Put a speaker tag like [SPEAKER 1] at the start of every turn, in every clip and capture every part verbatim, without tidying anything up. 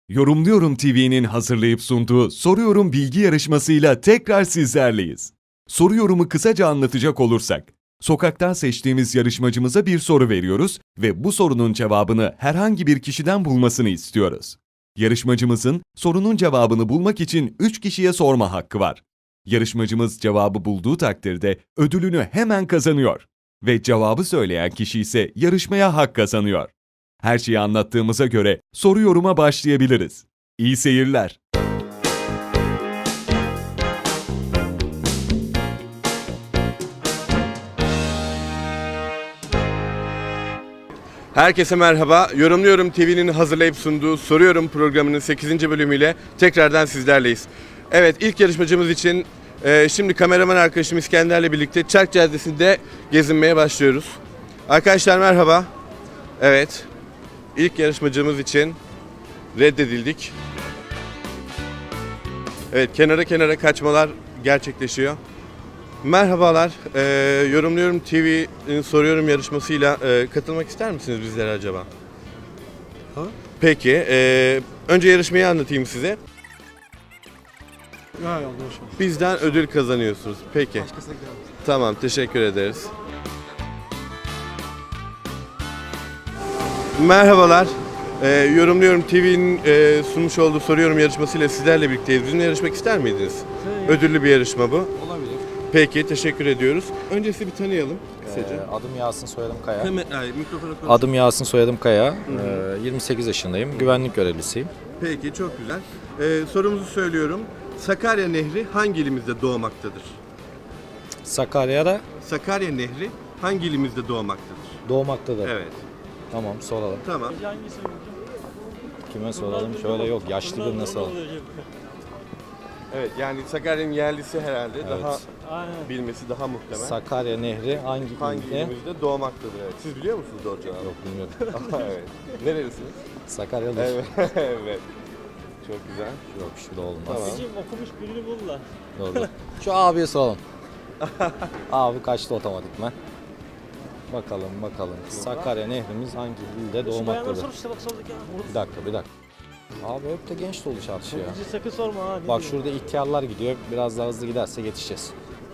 [SPEAKER 1] Yorumluyorum T V'nin hazırlayıp sunduğu Soruyorum bilgi yarışmasıyla tekrar sizlerleyiz. Soruyorumu kısaca anlatacak olursak, sokaktan seçtiğimiz yarışmacımıza bir soru veriyoruz ve bu sorunun cevabını herhangi bir kişiden bulmasını istiyoruz. Yarışmacımızın sorunun cevabını bulmak için üç kişiye sorma hakkı var. Yarışmacımız cevabı bulduğu takdirde ödülünü hemen kazanıyor ve cevabı söyleyen kişi ise yarışmaya hak kazanıyor. Her şeyi anlattığımıza göre soru yoruma başlayabiliriz. İyi seyirler.
[SPEAKER 2] Herkese merhaba. Yorumluyorum T V'nin hazırlayıp sunduğu Soruyorum programının sekizinci bölümüyle tekrardan sizlerleyiz. Evet, ilk yarışmacımız için e, şimdi kameraman arkadaşım İskender'le birlikte Çark Caddesi'nde gezinmeye başlıyoruz. Arkadaşlar merhaba. Evet, ilk yarışmacımız için reddedildik. Evet, kenara kenara kaçmalar gerçekleşiyor. Merhabalar, ee, Yorumluyorum T V'nin Soruyorum yarışmasıyla e, katılmak ister misiniz bizlere acaba?
[SPEAKER 3] Ha?
[SPEAKER 2] Peki, e, önce yarışmayı anlatayım size.
[SPEAKER 3] Ya yanlış olsun.
[SPEAKER 2] Bizden ödül kazanıyorsunuz. Peki,
[SPEAKER 3] Başkasına gidelim.
[SPEAKER 2] tamam, teşekkür ederiz. Merhabalar, ee, Yorumluyorum T V'nin e, sunmuş olduğu Soruyorum yarışmasıyla sizlerle birlikteyiz. Bizimle yarışmak ister miydiniz? Ödüllü bir yarışma bu.
[SPEAKER 3] Olabilir.
[SPEAKER 2] Peki, teşekkür ediyoruz. Önce sizi bir tanıyalım kısaca.
[SPEAKER 4] Ee, adım Yasin, soyadım Kaya.
[SPEAKER 2] Hemen, ay, mikrofona konuş.
[SPEAKER 4] Adım Yasin, soyadım Kaya. Ee, yirmi sekiz yaşındayım. Güvenlik görevlisiyim.
[SPEAKER 2] Peki, çok güzel. Ee, sorumuzu söylüyorum. Sakarya Nehri hangi ilimizde doğmaktadır?
[SPEAKER 4] Sakarya'da
[SPEAKER 2] Sakarya Nehri hangi ilimizde doğmaktadır?
[SPEAKER 4] doğmaktadır.
[SPEAKER 2] Evet.
[SPEAKER 4] Tamam, soralım.
[SPEAKER 2] Tamam.
[SPEAKER 4] Kime soralım? Şöyle yok, yaşlı birine soralım.
[SPEAKER 2] Evet, yani Sakarya'nın yerlisi herhalde
[SPEAKER 4] Evet.
[SPEAKER 2] daha bilmesi daha muhtemel.
[SPEAKER 4] Sakarya Nehri hangi,
[SPEAKER 2] hangi
[SPEAKER 4] ilde?
[SPEAKER 2] ilimizde doğmaktadır? Evet. Siz biliyor musunuz doğru cevabı?
[SPEAKER 4] Yok, bilmiyorum.
[SPEAKER 2] Evet. Nerelisiniz?
[SPEAKER 4] Sakaryalı.
[SPEAKER 2] Evet. Evet. Çok güzel.
[SPEAKER 4] Yok, şurada olmaz.
[SPEAKER 2] Tamam.
[SPEAKER 5] okumuş birini bul da.
[SPEAKER 4] Doğru. Şu abiye soralım. Abi kaçtı otomatikman? Bakalım, bakalım. Sakarya Nehrimiz hangi ilde
[SPEAKER 5] Bayanlar
[SPEAKER 4] doğmaktadır?
[SPEAKER 5] sor işte bak sorduk ya.
[SPEAKER 4] Bir dakika, bir dakika. Abi hep de genç dolu çarşı ya.
[SPEAKER 5] Bizi sakın sorma ha.
[SPEAKER 4] Bak şurada ihtiyarlar gidiyor. Biraz daha hızlı giderse yetişeceğiz.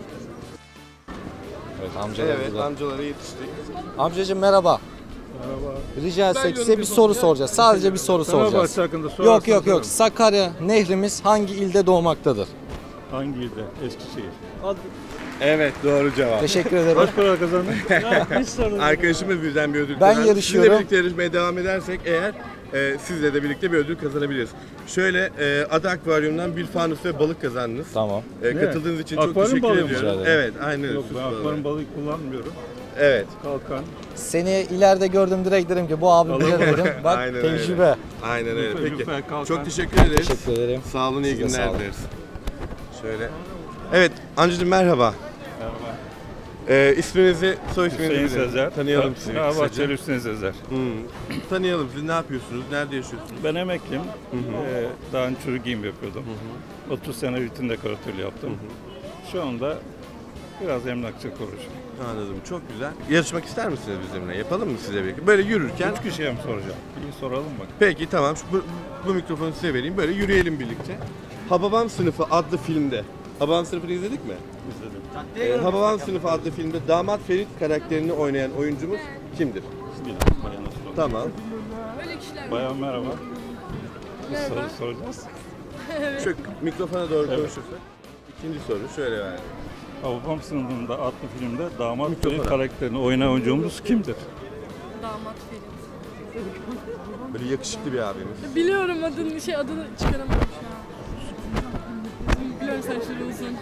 [SPEAKER 4] Evet, amcalar
[SPEAKER 2] Evet,
[SPEAKER 4] burada.
[SPEAKER 2] amcalara yetiştik.
[SPEAKER 4] Amcacığım merhaba.
[SPEAKER 3] Merhaba.
[SPEAKER 4] Rica etsek size bir soru soracağız. Sadece bir soru soracağız.
[SPEAKER 3] Fenerbahçe hakkında sorarsan
[SPEAKER 4] Yok yok yok.
[SPEAKER 3] sorarım.
[SPEAKER 4] Sakarya Nehrimiz hangi ilde doğmaktadır?
[SPEAKER 3] Hangi ilde? Eskişehir.
[SPEAKER 5] Hadi.
[SPEAKER 2] Evet, doğru cevap.
[SPEAKER 4] Teşekkür ederim.
[SPEAKER 3] Kaç para kazandın?
[SPEAKER 5] Ya biz sorduk.
[SPEAKER 2] Arkadaşımız bizden bir ödül
[SPEAKER 4] Ben
[SPEAKER 2] kazandı.
[SPEAKER 4] yarışıyorum.
[SPEAKER 2] Sizinle birlikte yarışmaya devam edersek eğer e, sizle de birlikte bir ödül kazanabiliriz. Şöyle e, Ada Akvaryum'dan bir fanus ve balık kazandınız.
[SPEAKER 4] Tamam.
[SPEAKER 2] E,
[SPEAKER 3] Ne?
[SPEAKER 2] katıldığınız için çok
[SPEAKER 3] Akvaryum
[SPEAKER 2] teşekkür
[SPEAKER 3] balığı mı?
[SPEAKER 2] ediyorum.
[SPEAKER 4] Rica ederim.
[SPEAKER 2] Evet, aynen öyle.
[SPEAKER 3] Yok
[SPEAKER 2] süs
[SPEAKER 3] ben
[SPEAKER 2] balığı.
[SPEAKER 3] akvaryum balığı kullanmıyorum.
[SPEAKER 2] Evet,
[SPEAKER 3] Kalkan.
[SPEAKER 4] Seni ileride gördüm direkt dedim ki bu abi bilir dedim. Bak
[SPEAKER 2] Aynen öyle.
[SPEAKER 4] tecrübe.
[SPEAKER 2] aynen öyle.
[SPEAKER 3] Lütfen,
[SPEAKER 2] Peki,
[SPEAKER 3] lütfen kalkan.
[SPEAKER 2] çok teşekkür ederiz.
[SPEAKER 4] Teşekkür ederim.
[SPEAKER 2] Sağ olun, iyi
[SPEAKER 4] Siz de sağ
[SPEAKER 2] günler
[SPEAKER 4] olun.
[SPEAKER 2] dileriz. Şöyle. Evet, amcacığım merhaba.
[SPEAKER 3] Merhaba.
[SPEAKER 2] E, isminizi, soy isminizi
[SPEAKER 3] Hüseyin
[SPEAKER 2] bilelim.
[SPEAKER 3] Sezer.
[SPEAKER 2] Tanıyalım sizi
[SPEAKER 3] Merhaba,
[SPEAKER 2] kısaca.
[SPEAKER 3] Bahçeli Hüseyin Sezer.
[SPEAKER 2] Hmm. Tanıyalım sizi, ne yapıyorsunuz, nerede yaşıyorsunuz?
[SPEAKER 3] Ben emekliyim. Ee, daha önce çocuk giyim yapıyordum. otuz sene vitin dekoratörlüğü yaptım. Şu anda biraz emlakçı konuşuyorum.
[SPEAKER 2] Anladım, çok güzel. Yarışmak ister misiniz bizimle? Yapalım mı size birlikte? Böyle yürürken.
[SPEAKER 3] Üç kişiye mi soracağım? İyi soralım bak.
[SPEAKER 2] Peki tamam, şu, bu, bu mikrofonu size vereyim. Böyle yürüyelim birlikte. Hababam Sınıfı adlı filmde. Hababam Sınıfı'nı izledik mi?
[SPEAKER 3] İzledim.
[SPEAKER 2] Ee, Hababam Sınıfı adlı filmde Damat Ferit karakterini oynayan oyuncumuz kimdir?
[SPEAKER 3] Bismillah. Bayana soralım.
[SPEAKER 2] Tamam.
[SPEAKER 3] Bayan merhaba. Bir soru soracağız.
[SPEAKER 2] Şu mikrofona doğru konuşursak. İkinci soru şöyle yani.
[SPEAKER 3] Hababam sınıfında adlı filmde damat
[SPEAKER 2] Mikrofona.
[SPEAKER 3] Ferit karakterini oynayan oyuncumuz kimdir?
[SPEAKER 6] Damat Ferit.
[SPEAKER 2] Böyle yakışıklı bir abimiz.
[SPEAKER 6] Biliyorum adını, şey adını çıkaramadım şu an. Biliyorum saçları uzun.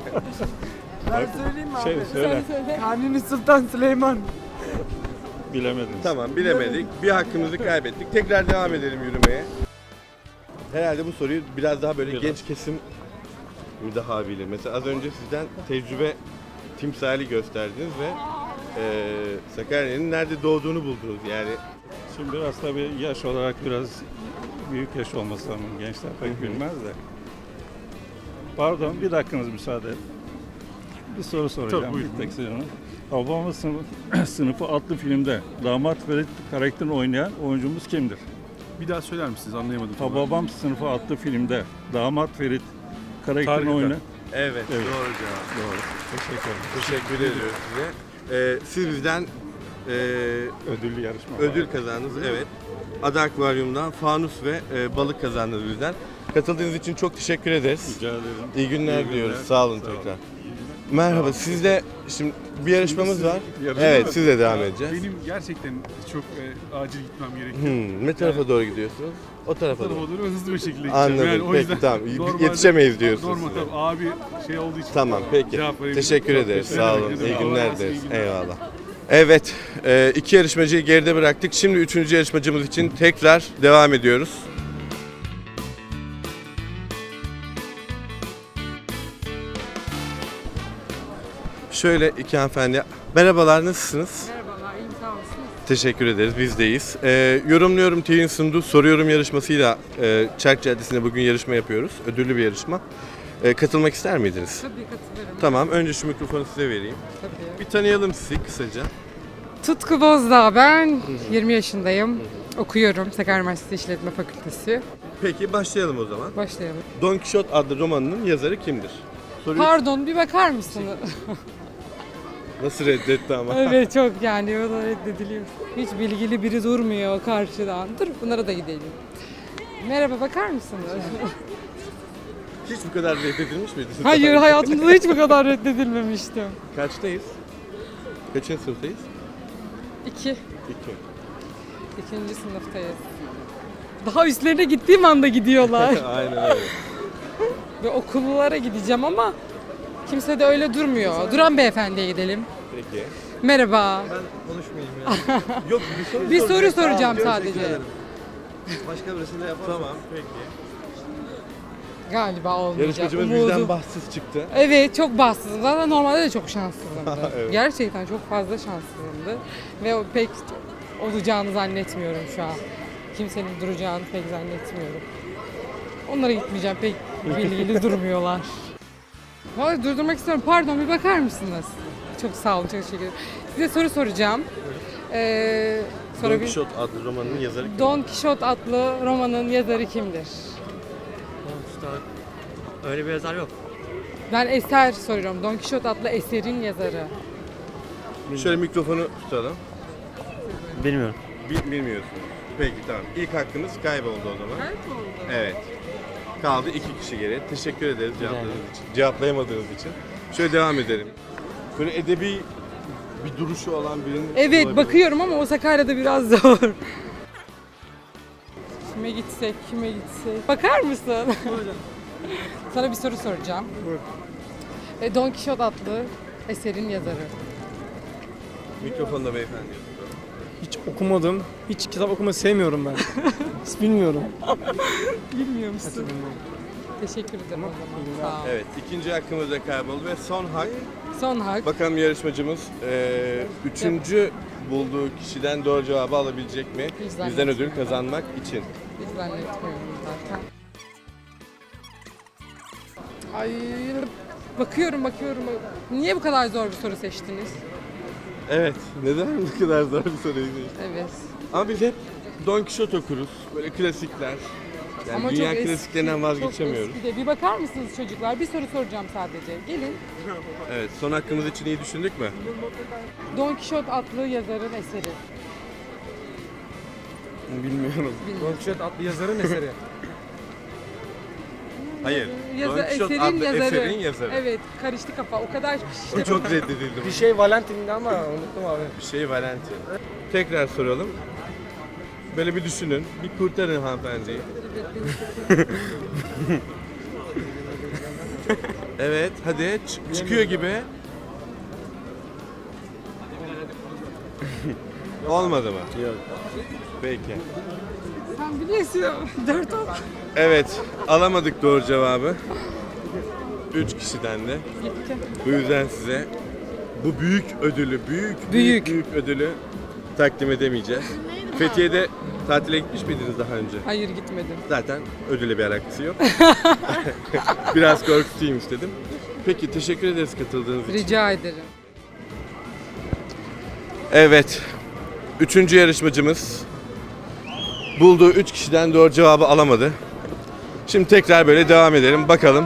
[SPEAKER 7] Ben söyleyeyim mi abi?
[SPEAKER 3] Şey söyle.
[SPEAKER 6] Sen söyle.
[SPEAKER 7] Kanuni Sultan Süleyman.
[SPEAKER 3] Bilemediniz.
[SPEAKER 2] Tamam, bilemedik. Bir hakkımızı kaybettik. Tekrar devam edelim yürümeye. Herhalde bu soruyu biraz daha böyle
[SPEAKER 3] Biraz.
[SPEAKER 2] genç kesim mi daha bilir? Mesela az önce sizden tecrübe timsali gösterdiniz ve e, Sakarya'nın nerede doğduğunu buldunuz. Yani
[SPEAKER 3] Şimdi biraz tabii yaş olarak biraz büyük yaş olması lazım. Gençler pek bilmez de. Pardon, bir dakikanız müsaade et. Bir soru soracağım.
[SPEAKER 2] Çok buyurun.
[SPEAKER 3] Bir tek sorunu. Hababam sınıfı, sınıfı adlı filmde damat Ferit karakterini oynayan oyuncumuz kimdir?
[SPEAKER 8] Bir daha söyler misiniz? Anlayamadım. tam.
[SPEAKER 3] Hababam Sınıfı adlı filmde damat Ferit karakterini
[SPEAKER 8] Tarık'ta.
[SPEAKER 3] oyna.
[SPEAKER 2] Evet,
[SPEAKER 3] Evet.
[SPEAKER 2] doğru cevap.
[SPEAKER 3] Doğru.
[SPEAKER 2] Teşekkür ederim. Teşekkür ediyoruz size. Ee, siz bizden e,
[SPEAKER 3] Ödüllü yarışma.
[SPEAKER 2] ödül kazandınız. Evet. Ada Akvaryum'dan fanus ve e, balık kazandınız bizden. Katıldığınız için çok teşekkür ederiz.
[SPEAKER 3] Rica ederim.
[SPEAKER 2] İyi günler
[SPEAKER 3] İyi günler.
[SPEAKER 2] diliyoruz. Sağ olun
[SPEAKER 3] Sağ olun.
[SPEAKER 2] tekrar. Merhaba. Sizde şimdi bir yarışmamız
[SPEAKER 8] Şimdi
[SPEAKER 2] var.
[SPEAKER 8] siz- yarışma
[SPEAKER 2] Evet,
[SPEAKER 8] mı?
[SPEAKER 2] sizle devam
[SPEAKER 8] Ya,
[SPEAKER 2] edeceğiz.
[SPEAKER 8] Benim gerçekten çok e, acil gitmem gerekiyor.
[SPEAKER 2] Hmm, ne tarafa doğru gidiyorsunuz? O tarafa
[SPEAKER 8] Tarafa
[SPEAKER 2] doğru.
[SPEAKER 8] doğru hızlı bir şekilde gideceğim.
[SPEAKER 2] Anladım.
[SPEAKER 8] Yani o
[SPEAKER 2] Peki,
[SPEAKER 8] yüzden
[SPEAKER 2] tamam.
[SPEAKER 8] normalde-
[SPEAKER 2] Yetişemeyiz diyorsunuz
[SPEAKER 8] Normal
[SPEAKER 2] size.
[SPEAKER 8] tabii. Abi şey olduğu için.
[SPEAKER 2] Tamam, peki.
[SPEAKER 8] Cevap verebilirim.
[SPEAKER 2] Teşekkür
[SPEAKER 8] Çok
[SPEAKER 2] ederiz.
[SPEAKER 8] teşekkür
[SPEAKER 2] Sağ
[SPEAKER 8] ederim.
[SPEAKER 2] olun.
[SPEAKER 8] Allah
[SPEAKER 2] İyi
[SPEAKER 8] razı
[SPEAKER 2] günler
[SPEAKER 8] olsun, iyi
[SPEAKER 2] dileriz.
[SPEAKER 8] günler.
[SPEAKER 2] Eyvallah. Evet, e, iki yarışmacıyı geride bıraktık. Şimdi üçüncü yarışmacımız için tekrar devam ediyoruz. Şöyle iki hanımefendi. Merhabalar, nasılsınız?
[SPEAKER 6] Merhabalar, iyiyim sağ olsun.
[SPEAKER 2] Teşekkür ederiz, bizdeyiz. Ee, Yorumluyorum T V'nin sunduğu Soruyorum yarışmasıyla e, Çark Caddesi'nde bugün yarışma yapıyoruz. Ödüllü bir yarışma. Ee, katılmak ister miydiniz?
[SPEAKER 6] Tabii katılırım.
[SPEAKER 2] Tamam, önce şu mikrofonu size vereyim.
[SPEAKER 6] Tabii.
[SPEAKER 2] Bir tanıyalım sizi kısaca.
[SPEAKER 9] Tutku Bozdağ ben. yirmi yaşındayım. Okuyorum Sakarya Üniversitesi İşletme Fakültesi.
[SPEAKER 2] Peki başlayalım o zaman.
[SPEAKER 9] Başlayalım.
[SPEAKER 2] Don Quixote adlı romanının yazarı kimdir? Soruyu
[SPEAKER 9] Pardon bir bakar mısınız?
[SPEAKER 2] nasıl reddetti ama?
[SPEAKER 9] Evet çok yani o da reddediliyor. Hiç bilgili biri durmuyor karşıdan. Dur bunlara da gidelim. Merhaba bakar mısınız?
[SPEAKER 2] Hiç bu kadar reddedilmiş miydiniz?
[SPEAKER 9] Hayır hayatımda hiç bu kadar reddedilmemiştim.
[SPEAKER 2] Kaçtayız? Kaçıncı sınıftayız?
[SPEAKER 9] İki.
[SPEAKER 2] İki.
[SPEAKER 9] İkinci sınıftayız. Daha üstlerine gittiğim anda gidiyorlar.
[SPEAKER 2] Aynen öyle.
[SPEAKER 9] Ve okullara gideceğim ama kimse de öyle durmuyor. Duran beyefendiye gidelim.
[SPEAKER 2] Peki.
[SPEAKER 9] Merhaba.
[SPEAKER 2] Konuşmayayım ya. Yok bir soru
[SPEAKER 9] Bir soru
[SPEAKER 2] soracak.
[SPEAKER 9] soracağım
[SPEAKER 2] Tamam,
[SPEAKER 9] sadece.
[SPEAKER 2] teşekkür ederim. Başka birisine yapalım. Tamam peki.
[SPEAKER 9] Galiba olmayacak.
[SPEAKER 2] Yarışmacımız
[SPEAKER 9] Umudum-
[SPEAKER 2] bizden bahtsız çıktı.
[SPEAKER 9] Evet çok bahtsızım. Zaten normalde de çok şanssızımdı.
[SPEAKER 2] Evet.
[SPEAKER 9] Gerçekten çok fazla şanssızımdı. Ve o pek olacağını zannetmiyorum şu an. Kimsenin duracağını pek zannetmiyorum. Onlara gitmeyeceğim. Pek bilgili durmuyorlar. Vallahi durdurmak istiyorum. Pardon bir bakar mısınız? Çok sağ olun. Çok teşekkür ederim. Size soru soracağım. Ee,
[SPEAKER 2] Don
[SPEAKER 9] sorabil-
[SPEAKER 2] Quixote adlı romanının yazarı kim?
[SPEAKER 9] Don Quixote adlı romanın yazarı kimdir?
[SPEAKER 5] Öyle bir yazar yok.
[SPEAKER 9] Ben eser soruyorum. Don Quixote adlı eserin yazarı.
[SPEAKER 2] Şöyle mikrofonu tutalım.
[SPEAKER 5] Bilmiyorum.
[SPEAKER 2] Bil, bilmiyorsunuz. Peki tamam. İlk hakkınız kayboldu o zaman. Evet. Kaldı iki kişi geri. Teşekkür ederiz cevapladığınız için. Cevaplayamadığınız için. Şöyle devam edelim. Böyle edebi bir duruşu olan birinin
[SPEAKER 9] Evet
[SPEAKER 2] olabilir.
[SPEAKER 9] bakıyorum ama o Sakarya'da biraz zor. Kime gitsek, kime gitsek. Bakar mısın? Sana bir soru soracağım. E, Don Quixote adlı eserin yazarı.
[SPEAKER 2] Mikrofonda beyefendi.
[SPEAKER 7] Hiç okumadım. Hiç kitap okumayı sevmiyorum ben. Hiç bilmiyorum.
[SPEAKER 9] Bilmiyor musun? Teşekkür ederim o zaman. Sağ ol.
[SPEAKER 2] Evet, ikinci hakkımız da kayboldu ve son hak.
[SPEAKER 9] Son hak.
[SPEAKER 2] Bakalım yarışmacımız eee, üçüncü bulduğu kişiden doğru cevabı alabilecek mi?
[SPEAKER 9] Hiç
[SPEAKER 2] Bizden
[SPEAKER 9] zannetmiyorum.
[SPEAKER 2] ödül kazanmak için.
[SPEAKER 9] Hiç zannetmiyorum zaten. Ay bakıyorum bakıyorum. Niye bu kadar zor bir soru seçtiniz?
[SPEAKER 2] Evet, neden bu kadar zor bir soruyu seçtin?
[SPEAKER 9] Evet.
[SPEAKER 2] Ama biz hep Don Quixote okuruz. Böyle klasikler. Yani
[SPEAKER 9] Ama
[SPEAKER 2] dünya
[SPEAKER 9] çok eski,
[SPEAKER 2] klasiklerinden vazgeçemiyoruz.
[SPEAKER 9] Çok eski de. Bir bakar mısınız çocuklar? Bir soru soracağım sadece. Gelin.
[SPEAKER 2] Evet, son hakkımız için iyi düşündük mü?
[SPEAKER 9] Don Quixote adlı yazarın eseri.
[SPEAKER 2] Bilmiyorum.
[SPEAKER 9] Bilmiyorum.
[SPEAKER 7] Don Quixote adlı yazarın eseri.
[SPEAKER 2] Hayır.
[SPEAKER 9] Yaza-
[SPEAKER 2] Don Quixote
[SPEAKER 9] eserin
[SPEAKER 2] adlı
[SPEAKER 9] yazarı.
[SPEAKER 2] eserin yazarı.
[SPEAKER 9] Evet, karıştı kafa. O kadar
[SPEAKER 2] O çok reddedildi.
[SPEAKER 7] Bir şey Valentin'di ama unuttum abi.
[SPEAKER 2] Bir şey Valentin. Tekrar soralım. Böyle bir düşünün. Bir kurtarın hanımefendiyi. Evet, hadi Ç- çıkıyor gibi. Olmadı mı? Yok. Peki.
[SPEAKER 9] Sen biliyorsun. Dört ol.
[SPEAKER 2] Evet, alamadık doğru cevabı. Üç kişiden de.
[SPEAKER 9] Gitti.
[SPEAKER 2] Bu yüzden size bu büyük ödülü, büyük büyük
[SPEAKER 9] Büyük.
[SPEAKER 2] büyük ödülü takdim edemeyeceğiz. Fethiye'de tatile gitmiş miydiniz daha önce?
[SPEAKER 9] Hayır gitmedim.
[SPEAKER 2] Zaten ödüle bir alakası yok. Biraz korkutayım istedim. Peki teşekkür ederiz katıldığınız için.
[SPEAKER 9] Rica ederim.
[SPEAKER 2] Evet. Üçüncü yarışmacımız bulduğu üç kişiden doğru cevabı alamadı. Şimdi tekrar böyle devam edelim bakalım.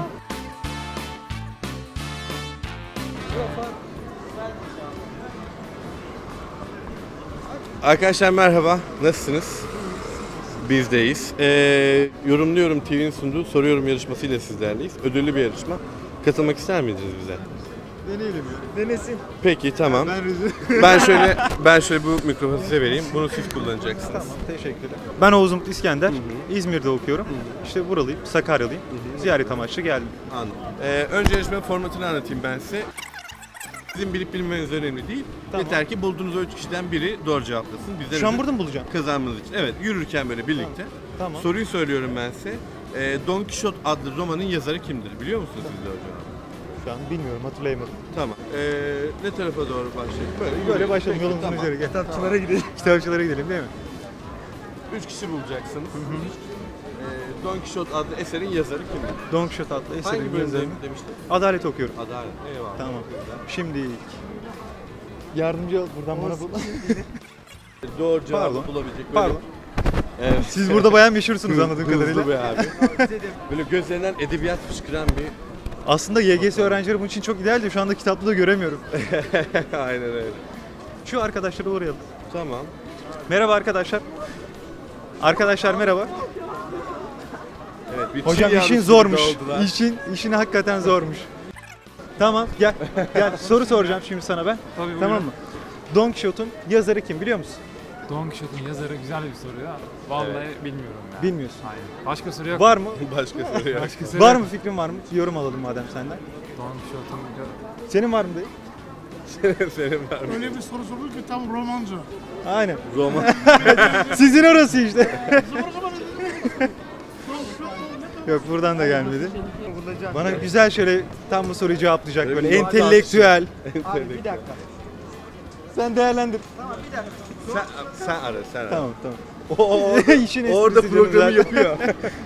[SPEAKER 2] Arkadaşlar merhaba, nasılsınız? Bizdeyiz. Ee, Yorumluyorum T V'nin sunduğu Soruyorum yarışmasıyla sizlerleyiz. Ödüllü bir yarışma. Katılmak ister miydiniz bize?
[SPEAKER 7] Deneyelim ya. Denesin.
[SPEAKER 2] Peki tamam.
[SPEAKER 7] Ben rüzgar.
[SPEAKER 2] Ben şöyle ben şöyle bu mikrofonu size vereyim. Bunu siz kullanacaksınız.
[SPEAKER 10] Tamam, teşekkürler. Ben Oğuz Umut İskender. İzmir'de okuyorum. İşte buralıyım, Sakaryalıyım. Ziyaret amaçlı geldim.
[SPEAKER 2] Anladım. Ee, önce yarışma formatını anlatayım ben size. Sizin bilip bilmeniz önemli değil.
[SPEAKER 10] Tamam.
[SPEAKER 2] Yeter ki bulduğunuz o üç kişiden biri doğru cevaplasın. Bizden
[SPEAKER 10] Şu an
[SPEAKER 2] ödül
[SPEAKER 10] burada mı bulacağım?
[SPEAKER 2] kazanmanız için. Evet, yürürken böyle birlikte.
[SPEAKER 10] Tamam.
[SPEAKER 2] Soruyu söylüyorum ben size. Ee, Don Quixote adlı romanın yazarı kimdir? Biliyor musunuz siz de hocam?
[SPEAKER 10] Şu an bilmiyorum, hatırlayamadım.
[SPEAKER 2] Tamam. Ee, ne tarafa doğru başlayalım? Böyle,
[SPEAKER 10] Böyle
[SPEAKER 2] yürüyün.
[SPEAKER 10] başladım,
[SPEAKER 2] Peki,
[SPEAKER 10] yolumuzun
[SPEAKER 2] tamam.
[SPEAKER 10] üzeri. Gel. Kitapçılara gidelim. Kitapçılara gidelim değil mi?
[SPEAKER 2] Üç kişi bulacaksınız. Ee, Don Quixote adlı eserin yazarı kimdir?
[SPEAKER 10] Don Quixote adlı
[SPEAKER 2] Hangi
[SPEAKER 10] eserin
[SPEAKER 2] bölümde
[SPEAKER 10] yazarını.
[SPEAKER 2] demiştin?
[SPEAKER 10] Adalet okuyorum.
[SPEAKER 2] Adalet. Eyvallah.
[SPEAKER 10] Tamam. Şimdi yardımcı ol buradan bana bul.
[SPEAKER 2] Doğru cevabı
[SPEAKER 10] Pardon.
[SPEAKER 2] bulabilecek böyle.
[SPEAKER 10] Pardon.
[SPEAKER 2] Evet.
[SPEAKER 10] Siz burada bayağı meşhursunuz anladığım
[SPEAKER 2] Hızlı
[SPEAKER 10] kadarıyla.
[SPEAKER 2] be abi. Böyle gözlerinden edebiyat fışkıran bir...
[SPEAKER 10] Aslında Y G S öğrencileri bunun için çok ideal de şu anda kitapta da göremiyorum.
[SPEAKER 2] Aynen öyle.
[SPEAKER 10] Şu arkadaşlara uğrayalım.
[SPEAKER 2] Tamam.
[SPEAKER 10] Merhaba arkadaşlar. Arkadaşlar merhaba.
[SPEAKER 2] Evet, bir
[SPEAKER 10] Hocam
[SPEAKER 2] çil
[SPEAKER 10] işin
[SPEAKER 2] yavrusu
[SPEAKER 10] zormuş.
[SPEAKER 2] gibi oldular.
[SPEAKER 10] İşin işin hakikaten zormuş. Tamam gel. Gel soru soracağım şimdi sana ben.
[SPEAKER 7] Tabii
[SPEAKER 10] Tamam mı? Don Quixote'un yazarı kim biliyor musun?
[SPEAKER 7] Don Quixote'un yazarı güzel bir soru ya. Vallahi bilmiyorum ya.
[SPEAKER 10] Bilmiyorsun.
[SPEAKER 7] Hayır. Başka soru yok.
[SPEAKER 10] Var mı?
[SPEAKER 2] Başka soru yok.
[SPEAKER 7] Başka soru
[SPEAKER 10] Var
[SPEAKER 7] yok.
[SPEAKER 10] mı fikrin var mı? Yorum alalım madem senden.
[SPEAKER 7] Don Quixote'un
[SPEAKER 10] Senin var mı dayı?
[SPEAKER 2] Senin var mı?
[SPEAKER 11] Öyle bir soru sorduk ki tam romancı.
[SPEAKER 10] Aynen.
[SPEAKER 2] Roman.
[SPEAKER 10] Sizin orası işte. Yok buradan da gelmedi. Bana güzel şöyle tam bu soruyu cevaplayacak böyle
[SPEAKER 2] bir
[SPEAKER 10] entelektüel.
[SPEAKER 2] Abi bir dakika.
[SPEAKER 10] Sen değerlendir.
[SPEAKER 2] Sen, sen ara, sen ara.
[SPEAKER 10] Tamam tamam.
[SPEAKER 2] O,
[SPEAKER 10] İşin esprisi
[SPEAKER 2] orada
[SPEAKER 10] canım
[SPEAKER 2] programı
[SPEAKER 10] zaten.
[SPEAKER 2] yapıyor.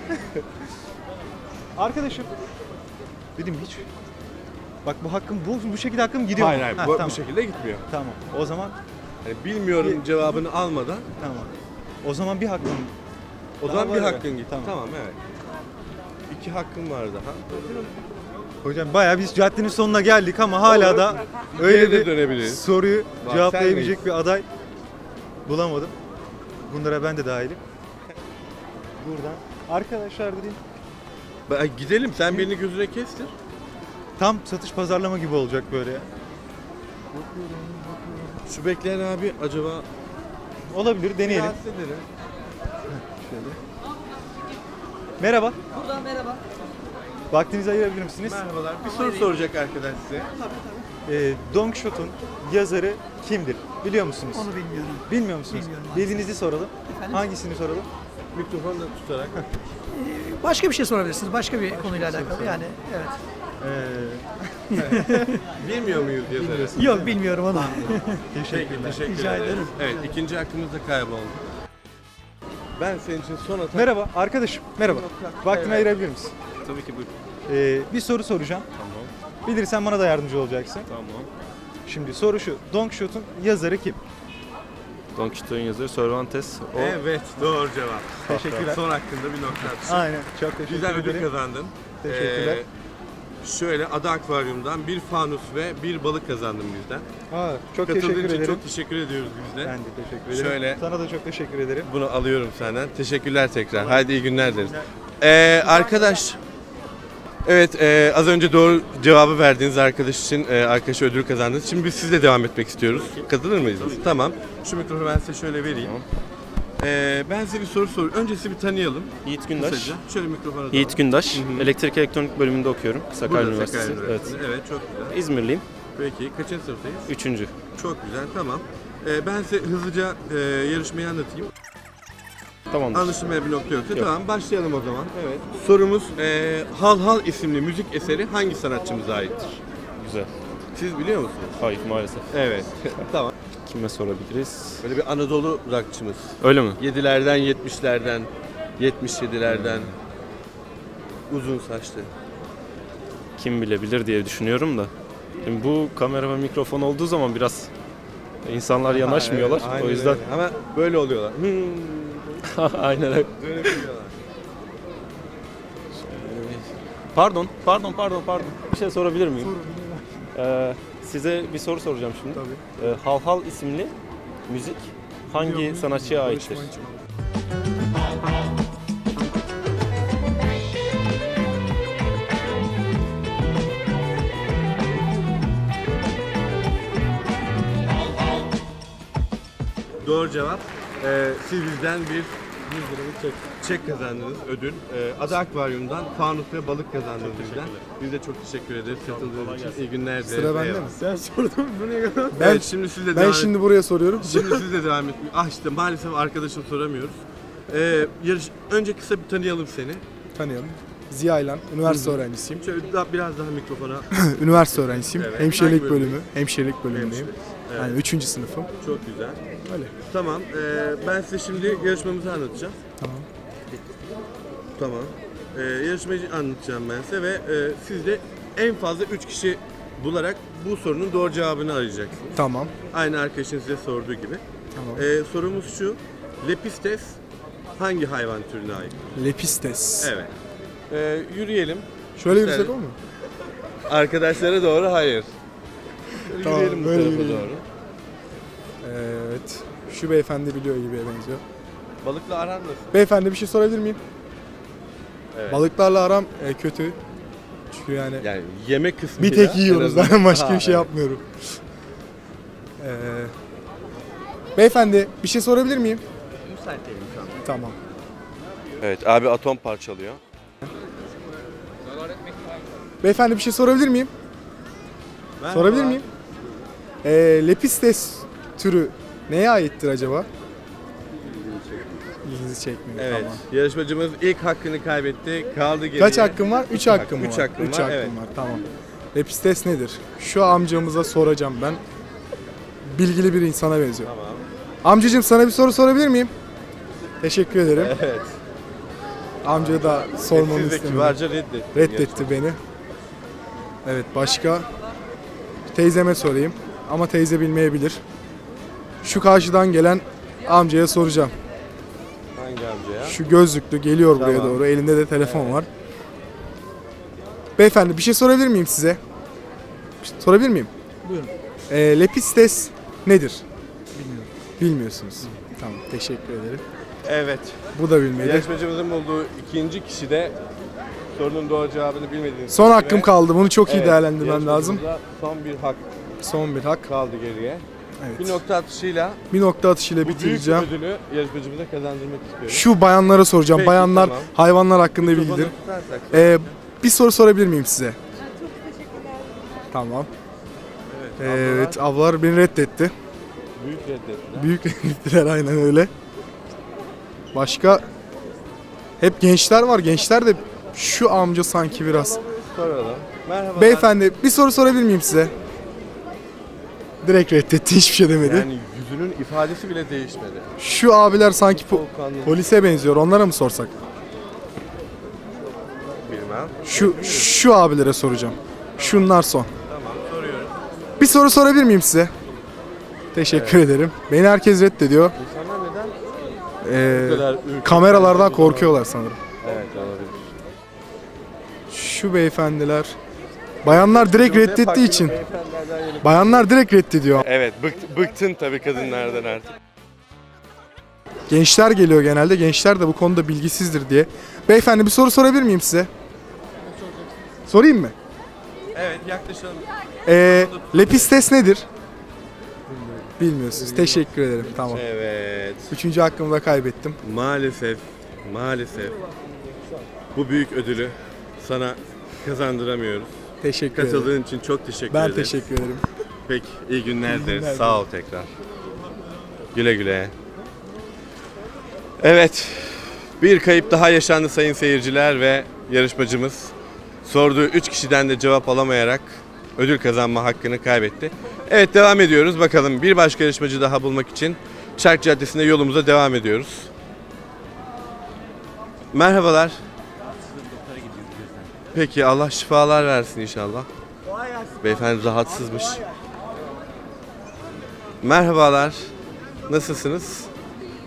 [SPEAKER 10] Arkadaşım. Dedim hiç. Bak bu hakkım bu bu şekilde hakkım gidiyor.
[SPEAKER 2] hayır
[SPEAKER 10] mu?
[SPEAKER 2] hayır,
[SPEAKER 10] Ha,
[SPEAKER 2] bu,
[SPEAKER 10] tamam.
[SPEAKER 2] bu şekilde gitmiyor.
[SPEAKER 10] Tamam. O zaman
[SPEAKER 2] Yani bilmiyorum cevabını almadan
[SPEAKER 10] tamam. O zaman bir hakkım.
[SPEAKER 2] o
[SPEAKER 10] Daha
[SPEAKER 2] zaman bir
[SPEAKER 10] var ya.
[SPEAKER 2] hakkın gitti.
[SPEAKER 10] Tamam.
[SPEAKER 2] Tamam. evet. İki hakkın var daha.
[SPEAKER 10] Hocam bayağı biz caddenin sonuna geldik ama hala da öyle
[SPEAKER 2] Geri de
[SPEAKER 10] bir
[SPEAKER 2] dönebiliriz.
[SPEAKER 10] soruyu
[SPEAKER 2] Bak,
[SPEAKER 10] cevaplayabilecek bir aday bulamadım. Bunlara ben de dahilim. Buradan arkadaşlar dedim
[SPEAKER 2] Ben- Gidelim, sen birini gözüne kestir.
[SPEAKER 10] tam satış pazarlama gibi olacak böyle ya.
[SPEAKER 2] Şu bekleyen abi acaba...
[SPEAKER 10] Olabilir deneyelim.
[SPEAKER 2] Rahatsız ederim.
[SPEAKER 10] Merhaba. Buradan merhaba. Vaktinizi ayırabilir misiniz?
[SPEAKER 2] Merhabalar. Bir soru soracak arkadaş size.
[SPEAKER 10] Ee, Don Quixote'un yazarı kimdir? Biliyor musunuz?
[SPEAKER 11] Onu bilmiyorum.
[SPEAKER 10] Bilmiyor musunuz?
[SPEAKER 11] Bilmiyorum.
[SPEAKER 10] Bildiğinizi soralım. Hangisini soralım?
[SPEAKER 2] Mikrofonu da tutarak.
[SPEAKER 11] Başka bir şey sorabilirsiniz. Başka bir konuyla alakalı yani. Evet.
[SPEAKER 10] Ee,
[SPEAKER 2] Bilmiyor muyuz yazarı?
[SPEAKER 11] Yok bilmiyorum onu.
[SPEAKER 2] Peki, teşekkür
[SPEAKER 11] Rica
[SPEAKER 2] ederiz.
[SPEAKER 11] ederim.
[SPEAKER 2] Evet, ikinci hakkımız da kayboldu. Ben senin için son atak...
[SPEAKER 10] merhaba arkadaşım. Merhaba. Vaktini
[SPEAKER 2] Evet.
[SPEAKER 10] ayırabilir misin?
[SPEAKER 2] Tabii ki buyur.
[SPEAKER 10] Ee, bir soru soracağım.
[SPEAKER 2] Tamam,
[SPEAKER 10] Bilirsen bana da yardımcı olacaksın.
[SPEAKER 2] tamam.
[SPEAKER 10] Şimdi soru şu. Don Quixote'un yazarı kim?
[SPEAKER 12] Don Quixote'un yazarı Cervantes. O
[SPEAKER 2] Evet, doğru cevap.
[SPEAKER 10] Teşekkürler.
[SPEAKER 2] Son hakkında bir nokta atışı.
[SPEAKER 10] Aynen. Çok teşekkür
[SPEAKER 2] Güzel ödül
[SPEAKER 10] ederim.
[SPEAKER 2] kazandın.
[SPEAKER 10] Teşekkürler.
[SPEAKER 2] Ee, şöyle Ada Akvaryum'dan bir fanus ve bir balık kazandın bizden.
[SPEAKER 10] Aa, çok
[SPEAKER 2] Katıldığın
[SPEAKER 10] teşekkür
[SPEAKER 2] için
[SPEAKER 10] ederim.
[SPEAKER 2] çok teşekkür ediyoruz biz de.
[SPEAKER 10] Ben de teşekkür ederim.
[SPEAKER 2] Şöyle-
[SPEAKER 10] Sana da çok teşekkür ederim.
[SPEAKER 2] Bunu alıyorum senden. Teşekkürler tekrar. Haydi iyi günler deriz. Ee, arkadaş, evet e, az önce doğru cevabı verdiğiniz arkadaş için e, arkadaşa ödül kazandınız. Şimdi biz sizle devam etmek istiyoruz. Katılır mıyız? Tamam. Şu mikrofonu ben size şöyle vereyim. Ee, ben size bir soru soruyorum. Önce sizi bir tanıyalım.
[SPEAKER 12] Yiğit Gündaş.
[SPEAKER 2] Kısaca. Şöyle mikrofona doğru.
[SPEAKER 12] Yiğit Gündaş.
[SPEAKER 2] Hı hı.
[SPEAKER 12] Elektrik elektronik bölümünde okuyorum. Sakarya
[SPEAKER 2] Burada
[SPEAKER 12] Üniversitesi.
[SPEAKER 2] Sakarya
[SPEAKER 12] Evet.
[SPEAKER 2] Üniversitesi. Evet, çok güzel.
[SPEAKER 12] İzmirliyim.
[SPEAKER 2] Peki, kaçıncı sınıftayız?
[SPEAKER 12] Üçüncü.
[SPEAKER 2] Çok güzel, tamam. Ee, ben size hızlıca e, yarışmayı anlatayım.
[SPEAKER 12] Tamamdır.
[SPEAKER 2] Anlaşılmaya bir nokta yoksa
[SPEAKER 12] Yok.
[SPEAKER 2] tamam, başlayalım o zaman. Evet. Sorumuz e, Hal Hal isimli müzik eseri hangi sanatçımıza aittir?
[SPEAKER 12] Güzel.
[SPEAKER 2] Siz biliyor musunuz?
[SPEAKER 12] Hayır maalesef.
[SPEAKER 2] Evet. Tamam.
[SPEAKER 12] Kime sorabiliriz?
[SPEAKER 2] Böyle bir Anadolu rockçımız.
[SPEAKER 12] Öyle mi?
[SPEAKER 2] yedilerden, yetmişlerden, yetmiş yedilerden uzun saçlı.
[SPEAKER 12] Kim bilebilir diye düşünüyorum da. Şimdi bu kamera ve mikrofon olduğu zaman biraz insanlar yanaşmıyorlar.
[SPEAKER 2] Ha, evet, aynen
[SPEAKER 12] o yüzden
[SPEAKER 2] öyle. Ama böyle oluyorlar. Hmm.
[SPEAKER 12] Aynen öyle.
[SPEAKER 2] Böyle biliyorlar.
[SPEAKER 12] Pardon, pardon, pardon, pardon. Bir şey sorabilir miyim? Ee, size bir soru soracağım şimdi.
[SPEAKER 7] Tabii.
[SPEAKER 12] Ee, Hav Hav isimli müzik hangi sanatçıya aittir?
[SPEAKER 2] Doğru cevap. Ee, siz bizden bir yüz liralık çek, çek kazandınız, ödül. Ee, Ada Akvaryum'dan fanus ve balık kazandınız bizden. Biz de çok teşekkür ederiz katıldığınız için. İyi günler dileriz.
[SPEAKER 7] Sıra bende
[SPEAKER 2] Eyvallah.
[SPEAKER 7] mi?
[SPEAKER 8] Sen sordun buraya kadar.
[SPEAKER 7] Ben,
[SPEAKER 2] Evet, şimdi siz de
[SPEAKER 7] ben
[SPEAKER 2] devam
[SPEAKER 7] şimdi buraya soruyorum.
[SPEAKER 2] Şimdi siz de devam etmeyin. Ah işte maalesef arkadaşım soramıyoruz. Ee, yarış, önce kısa bir tanıyalım seni.
[SPEAKER 7] Tanıyalım. Ziya İlan, üniversite öğrencisiyim.
[SPEAKER 2] Şöyle daha, biraz daha mikrofona.
[SPEAKER 7] Üniversite öğrencisiyim.
[SPEAKER 2] Evet.
[SPEAKER 7] Hemşirelik
[SPEAKER 2] Hangi bölümü?
[SPEAKER 7] bölümü. Hemşirelik bölümündeyim.
[SPEAKER 2] Evet.
[SPEAKER 7] Yani üçüncü sınıfım.
[SPEAKER 2] Çok güzel.
[SPEAKER 7] Öyle.
[SPEAKER 2] Tamam. ee, ben size şimdi yarışmamızı anlatacağım.
[SPEAKER 7] Tamam.
[SPEAKER 2] Tamam. Ee, yarışmayı anlatacağım ben size ve e, siz de en fazla üç kişi bularak bu sorunun doğru cevabını arayacaksınız.
[SPEAKER 7] Tamam.
[SPEAKER 2] Aynı arkadaşın size sorduğu gibi.
[SPEAKER 7] Tamam.
[SPEAKER 2] Ee, sorumuz şu. Lepistes hangi hayvan türüne ait?
[SPEAKER 7] Lepistes.
[SPEAKER 2] Evet. Ee, yürüyelim.
[SPEAKER 7] Şöyle
[SPEAKER 2] Güzel.
[SPEAKER 7] yürüsek olmuyor mu?
[SPEAKER 2] Arkadaşlara doğru hayır. Şöyle
[SPEAKER 7] Tamam,
[SPEAKER 2] yürüyelim bu
[SPEAKER 7] böyle
[SPEAKER 2] tarafa
[SPEAKER 7] yürüyelim.
[SPEAKER 2] doğru.
[SPEAKER 7] Evet. Şu beyefendi biliyor gibi benziyor.
[SPEAKER 2] Balıkla aran nasıl?
[SPEAKER 7] Beyefendi bir şey sorabilir miyim?
[SPEAKER 2] Evet.
[SPEAKER 7] Balıklarla aram e, kötü. Çünkü yani
[SPEAKER 2] Yani yemek kısmı.
[SPEAKER 7] bir tek yiyoruz zaten başka bir şey yapmıyorum. Ee, beyefendi bir şey sorabilir miyim?
[SPEAKER 5] Müsait değilim şu an.
[SPEAKER 7] Tamam.
[SPEAKER 2] Evet abi atom parçalıyor.
[SPEAKER 7] Beyefendi bir şey sorabilir miyim? Sorabilir miyim? Ee, Lepistes türü neye aittir acaba? İlginizi çekmiyor.
[SPEAKER 2] Evet.
[SPEAKER 7] Tamam.
[SPEAKER 2] Yarışmacımız ilk hakkını kaybetti. Kaldı geriye.
[SPEAKER 7] Kaç hakkım var? üç hakkım
[SPEAKER 2] Üç
[SPEAKER 7] var.
[SPEAKER 2] hakkım
[SPEAKER 7] Üç
[SPEAKER 2] var,
[SPEAKER 7] hakkım
[SPEAKER 2] evet.
[SPEAKER 7] var. Tamam. Lepistes nedir? Şu amcamıza soracağım ben. Bilgili bir insana benziyor.
[SPEAKER 2] Tamam.
[SPEAKER 7] Amcacığım sana bir soru sorabilir miyim? Teşekkür ederim.
[SPEAKER 2] Evet.
[SPEAKER 7] Amcaya da sormamı
[SPEAKER 2] Siz de
[SPEAKER 7] istedim.
[SPEAKER 2] kibarca reddettiniz.
[SPEAKER 7] Reddetti beni. Evet, başka teyzeme sorayım ama teyze bilmeyebilir. Şu karşıdan gelen amcaya soracağım.
[SPEAKER 2] Hangi amcaya?
[SPEAKER 7] Şu gözlüklü geliyor buraya
[SPEAKER 2] Tamam.
[SPEAKER 7] doğru. Elinde de telefon var. Beyefendi bir şey sorabilir miyim size? Bir şey sorabilir miyim?
[SPEAKER 11] Buyurun.
[SPEAKER 7] Ee, Lepistes nedir? Bilmiyorum. Bilmiyorsunuz. Tamam, teşekkür ederim.
[SPEAKER 2] Evet.
[SPEAKER 7] Bu da bilmedi.
[SPEAKER 2] Yarışmacımızın bulduğu ikinci kişi de sorunun doğru cevabını bilmediğiniz
[SPEAKER 7] Son
[SPEAKER 2] kişi
[SPEAKER 7] hakkım
[SPEAKER 2] ve-
[SPEAKER 7] kaldı. Bunu çok iyi
[SPEAKER 2] Evet,
[SPEAKER 7] değerlendirmem lazım.
[SPEAKER 2] yarışmacımıza Son bir hak
[SPEAKER 7] Son bir hak.
[SPEAKER 2] kaldı geriye.
[SPEAKER 7] Evet.
[SPEAKER 2] Bir nokta atışıyla
[SPEAKER 7] Bir nokta atışıyla
[SPEAKER 2] bu büyük
[SPEAKER 7] bitireceğim.
[SPEAKER 2] ödülü yarışmacımıza kazandırmak istiyorum.
[SPEAKER 7] Şu bayanlara soracağım.
[SPEAKER 2] Peki,
[SPEAKER 7] Bayanlar
[SPEAKER 2] tamam.
[SPEAKER 7] hayvanlar hakkında
[SPEAKER 2] Mikrofonu
[SPEAKER 7] bilgidir.
[SPEAKER 2] tutarsak-
[SPEAKER 7] Ee, bir soru sorabilir miyim size?
[SPEAKER 6] Çok teşekkürler.
[SPEAKER 7] Tamam.
[SPEAKER 2] Evet,
[SPEAKER 7] Evet,
[SPEAKER 2] ablalar
[SPEAKER 7] avlar beni reddetti.
[SPEAKER 2] büyük reddettiler.
[SPEAKER 7] Büyük reddettiler aynen öyle. Başka hep gençler var. Gençler de şu amca sanki biraz.
[SPEAKER 2] Soralım. Merhaba.
[SPEAKER 7] Beyefendi bir soru sorabilir miyim size? Direkt reddetti, hiçbir şey demedi.
[SPEAKER 2] Yani yüzünün ifadesi bile değişmedi.
[SPEAKER 7] Şu abiler sanki po-
[SPEAKER 2] Soğukkanlı.
[SPEAKER 7] polise benziyor. Onlara mı sorsak?
[SPEAKER 2] Bilmem.
[SPEAKER 7] Şu şu abilere soracağım. Şunlar son.
[SPEAKER 2] Tamam soruyorum.
[SPEAKER 7] Bir soru sorabilir miyim size? Teşekkür ederim. Beni herkes reddediyor.
[SPEAKER 2] İnsanlar neden
[SPEAKER 7] Ee,
[SPEAKER 2] bu kadar ürkek?
[SPEAKER 7] kameralardan korkuyorlar sanırım.
[SPEAKER 2] Evet olabilir.
[SPEAKER 7] Şu beyefendiler. Bayanlar direkt
[SPEAKER 2] Hep
[SPEAKER 7] reddettiği
[SPEAKER 2] hakkını
[SPEAKER 7] için.
[SPEAKER 2] beyefendilerden yenip-
[SPEAKER 7] Bayanlar direkt reddediyor.
[SPEAKER 2] Evet bıkt, bıktın tabii kadınlardan artık.
[SPEAKER 7] Gençler geliyor genelde. Gençler de bu konuda bilgisizdir diye. Beyefendi bir soru sorabilir miyim size? Sorayım mı?
[SPEAKER 2] Evet yaklaşalım.
[SPEAKER 7] Ee, Lepistes nedir? Bilmiyorsunuz. Teşekkür ederim. Tamam.
[SPEAKER 2] Evet.
[SPEAKER 7] Üçüncü hakkımı da kaybettim.
[SPEAKER 2] Maalesef, maalesef bu büyük ödülü sana kazandıramıyoruz.
[SPEAKER 7] Teşekkür ederim.
[SPEAKER 2] Katıldığın için çok teşekkür
[SPEAKER 7] Ben
[SPEAKER 2] ederiz.
[SPEAKER 7] teşekkür ederim.
[SPEAKER 2] Peki, iyi günler
[SPEAKER 7] İyi
[SPEAKER 2] dileriz.
[SPEAKER 7] günler
[SPEAKER 2] Sağ ol tekrar. Güle güle. Evet, bir kayıp daha yaşandı sayın seyirciler ve yarışmacımız sorduğu üç kişiden de cevap alamayarak ödül kazanma hakkını kaybetti. Evet, devam ediyoruz. Bakalım bir başka yarışmacı daha bulmak için Çark Caddesi'nde yolumuza devam ediyoruz. Merhabalar. Peki, Allah şifalar versin inşallah. Beyefendi rahatsızmış. Merhabalar. Nasılsınız?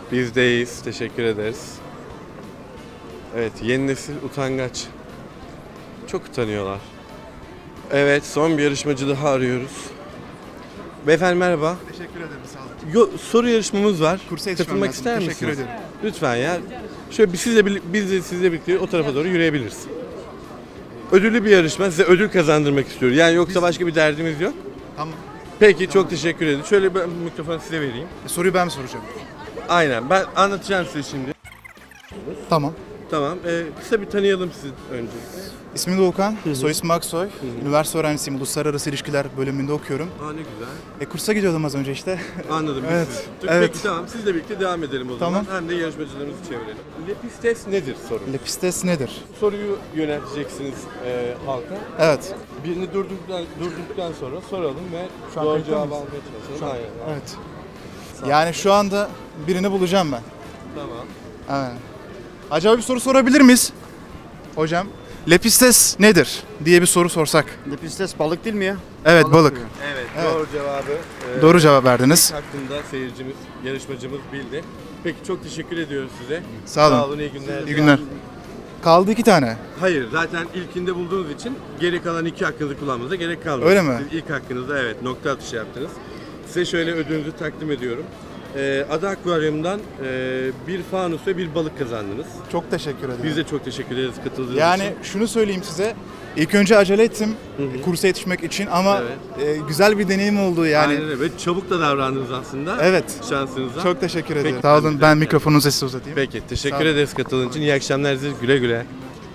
[SPEAKER 2] Bizdeyiz. Teşekkür ederiz. Evet, yeni nesil utangaç. Çok utanıyorlar. Evet, son bir yarışmacı daha arıyoruz. Beyefendi merhaba.
[SPEAKER 10] Teşekkür ederim, sağ olun.
[SPEAKER 2] Yo, soru yarışmamız var.
[SPEAKER 10] Kursa yetişmem
[SPEAKER 2] Katılmak
[SPEAKER 10] lazım.
[SPEAKER 2] ister
[SPEAKER 10] Teşekkür
[SPEAKER 2] misiniz?
[SPEAKER 10] ederim.
[SPEAKER 2] Lütfen ya. Şöyle bir sizle birli- biz de sizle birlikte o tarafa doğru yürüyebiliriz. Ödüllü bir yarışma. Size ödül kazandırmak istiyoruz. Yani yoksa başka bir derdimiz yok.
[SPEAKER 10] Tamam.
[SPEAKER 2] Peki çok teşekkür ederim. Şöyle ben mikrofonu size vereyim.
[SPEAKER 10] E, soruyu ben mi soracağım?
[SPEAKER 2] Aynen. Ben anlatacağım size şimdi.
[SPEAKER 10] Tamam.
[SPEAKER 2] Tamam. Ee, kısa bir tanıyalım sizi önce.
[SPEAKER 10] İsmim Doğukan, soy ismim Aksoy. Üniversite öğrencisiyim, Uluslararası İlişkiler bölümünde okuyorum.
[SPEAKER 2] Aa ne güzel.
[SPEAKER 10] E, kursa gidiyordum az önce işte.
[SPEAKER 2] Anladım. biz
[SPEAKER 10] Evet,
[SPEAKER 2] sizi-
[SPEAKER 10] evet.
[SPEAKER 2] Peki tamam. Sizle birlikte devam edelim o
[SPEAKER 10] Tamam.
[SPEAKER 2] zaman. Hem de yarışmacılarımızı çevirelim. Lepistes nedir soru?
[SPEAKER 10] Lepistes nedir?
[SPEAKER 2] Soruyu yönelteceksiniz e, halka.
[SPEAKER 10] Evet.
[SPEAKER 2] Birini durdurduktan, durdurduktan sonra soralım ve
[SPEAKER 10] Şu an
[SPEAKER 2] doğru
[SPEAKER 10] kayıtta
[SPEAKER 2] cevabı
[SPEAKER 10] mıyız?
[SPEAKER 2] almaya çalışalım. Aynen.
[SPEAKER 10] Evet. Yani şu anda birini bulacağım ben.
[SPEAKER 2] Tamam.
[SPEAKER 10] Evet. Acaba bir soru sorabilir miyiz? Hocam. Lepistes nedir diye bir soru sorsak.
[SPEAKER 5] Lepistes balık değil mi ya?
[SPEAKER 10] Evet, balık.
[SPEAKER 2] Evet,
[SPEAKER 10] Evet.
[SPEAKER 2] doğru cevabı. e,
[SPEAKER 10] Doğru cevap verdiniz.
[SPEAKER 2] Hakkında seyircimiz, yarışmacımız bildi. Peki çok teşekkür ediyoruz size.
[SPEAKER 10] Sağ olun.
[SPEAKER 2] Sağ olun, iyi günler.
[SPEAKER 10] İyi günler. Kaldı iki tane.
[SPEAKER 2] Hayır, zaten ilkinde bulduğunuz için geri kalan iki hakkınızı kullanmanıza gerek kalmadı.
[SPEAKER 10] Öyle mi?
[SPEAKER 2] Siz ilk hakkınızda evet nokta atışı yaptınız. Size şöyle ödülünüzü takdim ediyorum. Ee, Ada Akvaryum'dan e, bir fanus ve bir balık kazandınız.
[SPEAKER 10] Çok teşekkür ederim.
[SPEAKER 2] Biz de çok teşekkür ederiz katıldığınız
[SPEAKER 10] Yani
[SPEAKER 2] için.
[SPEAKER 10] şunu söyleyeyim size. İlk önce acele ettim
[SPEAKER 2] Hı hı.
[SPEAKER 10] kursa yetişmek için ama
[SPEAKER 2] Evet.
[SPEAKER 10] e, güzel bir deneyim oldu yani.
[SPEAKER 2] Aynen öyle. Ve çabuk da davrandınız aslında.
[SPEAKER 10] Evet.
[SPEAKER 2] Şansınıza.
[SPEAKER 10] Çok teşekkür
[SPEAKER 2] Peki,
[SPEAKER 10] ederim. Sağ olun.
[SPEAKER 2] rica
[SPEAKER 10] Ben
[SPEAKER 2] ederim.
[SPEAKER 10] mikrofonunuzu size uzatayım.
[SPEAKER 2] Peki,
[SPEAKER 10] Sağ
[SPEAKER 2] teşekkür
[SPEAKER 10] olun.
[SPEAKER 2] ederiz katıldığınız için. İyi akşamlar size. Güle güle.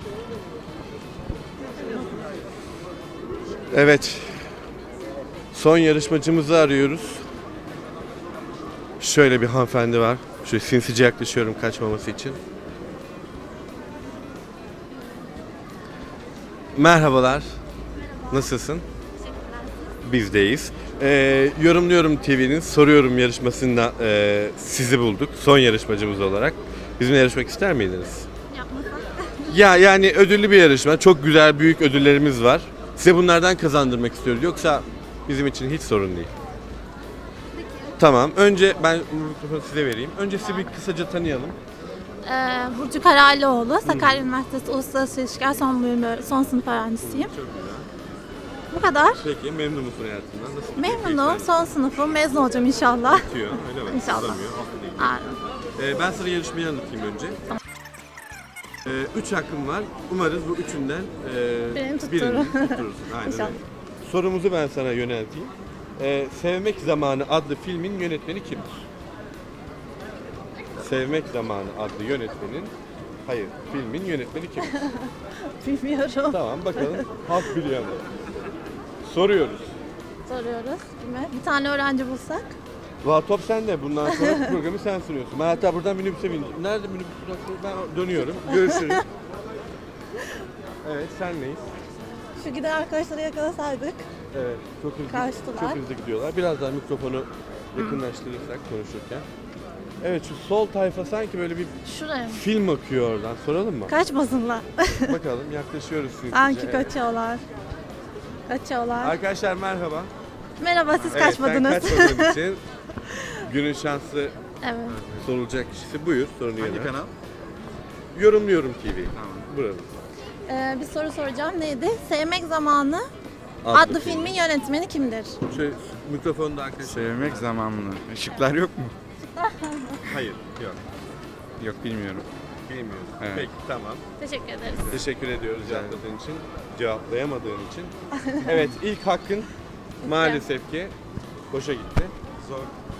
[SPEAKER 2] Evet. Son yarışmacımızı arıyoruz. Şöyle bir hanımefendi var. Şöyle sinsice yaklaşıyorum kaçmaması için. Merhabalar. Nasılsın? Bizdeyiz. Ee, Yorumluyorum T V'nin Soruyorum yarışmasında e, sizi bulduk. Son yarışmacımız olarak. Bizimle yarışmak ister miydiniz? Ya yani ödüllü bir yarışma. Çok güzel büyük ödüllerimiz var. Size bunlardan kazandırmak istiyoruz. Yoksa bizim için hiç sorun değil. Tamam. Önce ben mikrofonu size vereyim. Önce sizi bir kısaca tanıyalım.
[SPEAKER 13] Ee, Burcu Kararlıoğlu, Sakarya Üniversitesi Uluslararası İlişkiler son bölümü, son sınıf öğrencisiyim.
[SPEAKER 2] Çok güzel.
[SPEAKER 13] Bu kadar.
[SPEAKER 2] Peki memnun musun hayatından? Nasıl?
[SPEAKER 13] Memnunum, son sınıfım, mezun olacağım inşallah.
[SPEAKER 2] Bitiyor, öyle mi?
[SPEAKER 13] İnşallah.
[SPEAKER 2] Uzamıyor, hafta değil.
[SPEAKER 13] Aynen.
[SPEAKER 2] Ee, ben sana yarışmayı anlatayım önce. Ee, üç hakkım var. Umarız bu üçünden e,
[SPEAKER 13] Birini tuttururum.
[SPEAKER 2] birini tutturursun. Aynen
[SPEAKER 13] İnşallah.
[SPEAKER 2] öyle. Sorumuzu ben sana yönelteyim. Ee, Sevmek Zamanı adlı filmin yönetmeni kimdir? Sevmek Zamanı adlı yönetmenin, hayır filmin yönetmeni kimdir?
[SPEAKER 13] Bilmiyorum.
[SPEAKER 2] Tamam bakalım halk biliyor mu? Soruyoruz.
[SPEAKER 13] Soruyoruz. Kime? Bir tane öğrenci bulsak.
[SPEAKER 2] Valla top sende. Bundan sonra programı sen sunuyorsun. Ben hatta buradan minibüse bineceğim. Nerede minibüs durağı? Ben dönüyorum. Görüşürüz. Evet, senleyiz.
[SPEAKER 13] Şu giden arkadaşları yakalasaydık.
[SPEAKER 2] Evet, çok hızlı,
[SPEAKER 13] Kaçtılar.
[SPEAKER 2] çok hızlı gidiyorlar. Biraz daha mikrofonu yakınlaştırırsak konuşurken. Evet, şu sol tayfa sanki böyle bir
[SPEAKER 13] Şuraya mı?
[SPEAKER 2] film akıyor oradan. Soralım mı?
[SPEAKER 13] Kaçmasınlar.
[SPEAKER 2] Bakalım, yaklaşıyoruz sizce.
[SPEAKER 13] Sanki
[SPEAKER 2] Evet.
[SPEAKER 13] kaçıyorlar. Kaçıyorlar.
[SPEAKER 2] Arkadaşlar merhaba.
[SPEAKER 13] Merhaba, siz
[SPEAKER 2] Evet,
[SPEAKER 13] kaçmadınız.
[SPEAKER 2] sen kaçmadığın için günün şanslı
[SPEAKER 13] Evet.
[SPEAKER 2] sorulacak kişisi buyur. Sorunu
[SPEAKER 8] Hangi
[SPEAKER 2] yönelt.
[SPEAKER 8] kanal?
[SPEAKER 2] Yorumluyorum T V.
[SPEAKER 8] Tamam.
[SPEAKER 2] Burada.
[SPEAKER 13] Ee, bir soru soracağım. Neydi? Sevmek Zamanı adlı, filmin yönetmeni kimdir?
[SPEAKER 2] Şöyle mikrofonu da arkadaşlar.
[SPEAKER 8] Sevmek zamanını. Işıklar yok mu?
[SPEAKER 2] Hayır, yok.
[SPEAKER 8] Yok bilmiyorum.
[SPEAKER 2] Bilmiyorum.
[SPEAKER 8] Evet.
[SPEAKER 2] Peki, tamam.
[SPEAKER 13] Teşekkür ederiz.
[SPEAKER 2] Teşekkür ediyoruz cevapladığın için, cevaplayamadığın için. Evet, ilk hakkın maalesef ki boşa gitti. Zor.